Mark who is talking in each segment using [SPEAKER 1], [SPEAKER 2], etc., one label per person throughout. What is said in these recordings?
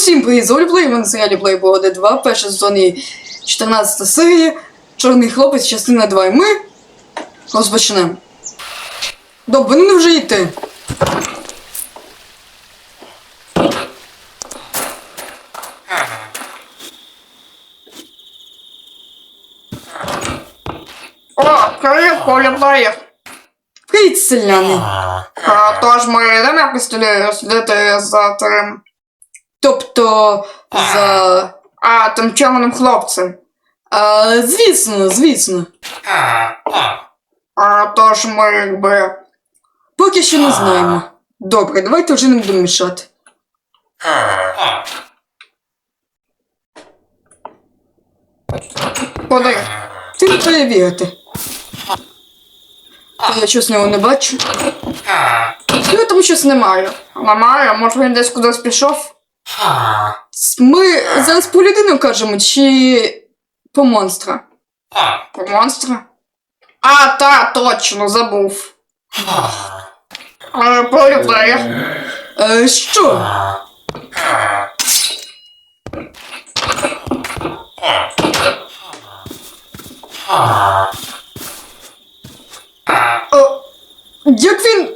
[SPEAKER 1] Всім привіт, з Оліплей, ми на серіалі Playboy 2, перша сезон і 14 серія, Чорний хлопець, частина 2, і ми розпочнемо. Добре, ну вже йти.
[SPEAKER 2] О, привіт, Оліплеєр.
[SPEAKER 1] Привіт, селяни.
[SPEAKER 2] Тож ми йдемо якось туди слідити за тим...
[SPEAKER 1] Тобто, за...
[SPEAKER 2] тим чорним хлопцем.
[SPEAKER 1] Звісно.
[SPEAKER 2] Тож ми якби...
[SPEAKER 1] Поки що не знаємо. Добре, давайте вже не будемо мішати.
[SPEAKER 2] Куди?
[SPEAKER 1] Ти не перевірити. Я щось нього не бачу.
[SPEAKER 2] Ну, там щось немає. Немає? Може він десь кудись пішов?
[SPEAKER 1] Ми зараз по людину кажемо, чи по монстра?
[SPEAKER 2] По монстра? Точно, забув. Оліплеєр.
[SPEAKER 1] Що? Як він...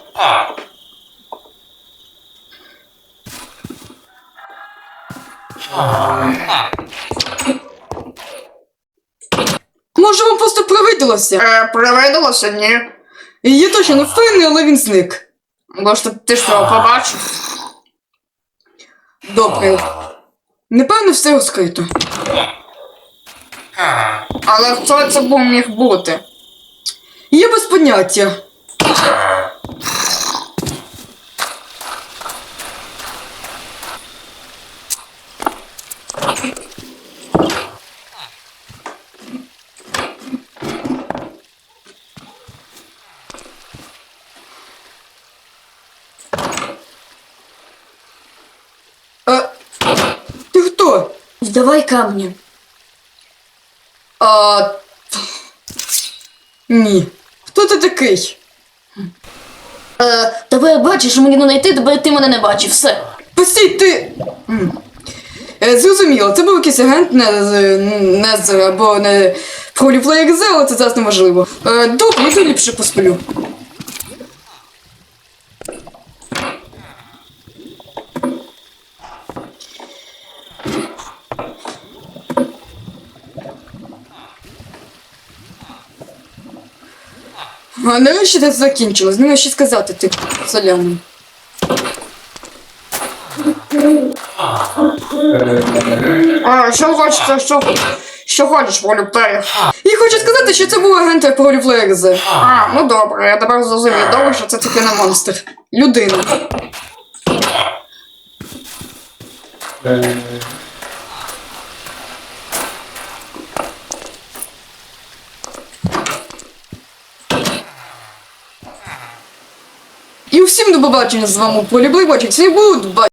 [SPEAKER 1] Може, вам просто привиділося?
[SPEAKER 2] Привиділося? Ні.
[SPEAKER 1] Я точно не впевнений, але він зник.
[SPEAKER 2] Може, ти що, побачив?
[SPEAKER 1] Добре. Напевно, все розкрито.
[SPEAKER 2] Але хто це був міг бути?
[SPEAKER 1] Я без поняття. Ти хто?
[SPEAKER 3] Здавай камні.
[SPEAKER 1] Ні. Хто ти такий?
[SPEAKER 3] Тебе бачиш, мені не знайти, тебе ти мене не бачив, все.
[SPEAKER 1] Постій, ти... Зрозуміло, це був якийсь агент Незер або не Проліплеєр Зе, але це зараз неважливо. Добре, я ліпше посплю. Нарешті це закінчилось, не що сказати, ти соляний.
[SPEAKER 2] Що хочеться, що хочеш, Оліплеєр?
[SPEAKER 1] І хочу сказати, що це був агент Проліплеєр Зе.
[SPEAKER 2] Ну добре, я тепер зрозумів. Добре, що це таки не монстр.
[SPEAKER 1] Людина. І усім до побачення з вами у Полі Блейбочок. Всі будуть бачити.